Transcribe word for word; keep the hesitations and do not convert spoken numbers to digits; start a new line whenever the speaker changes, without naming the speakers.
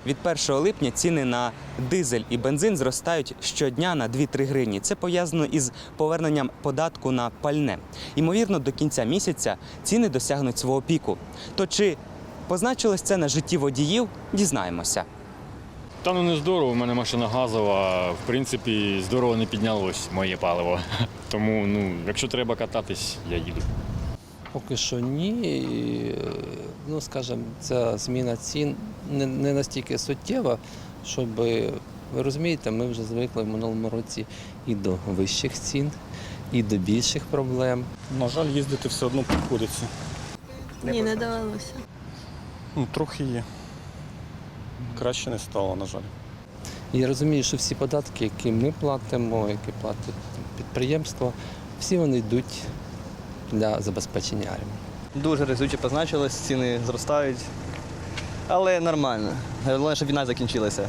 Від першого липня ціни на дизель і бензин зростають щодня на дві-три гривні. Це пов'язано із поверненням податку на пальне. Ймовірно, до кінця місяця ціни досягнуть свого піку. То чи позначилось це на житті водіїв, дізнаємося.
Та ну не здорово, у мене машина газова, в принципі, здорово не піднялось моє паливо. Тому, ну, якщо треба кататись, я їду.
Поки що ні. І, ну, скажімо, ця зміна цін не, не настільки суттєва, щоб, ви розумієте, ми вже звикли в минулому році і до вищих цін, і до більших проблем.
На жаль, їздити все одно приходиться.
Ні, не довелося.
Ну, трохи є. Краще не стало, на жаль.
І я розумію, що всі податки, які ми платимо, які платить підприємство, всі вони йдуть для забезпечення армії.
Дуже різуче позначилось, ціни зростають, але нормально. Головне, щоб війна закінчилася.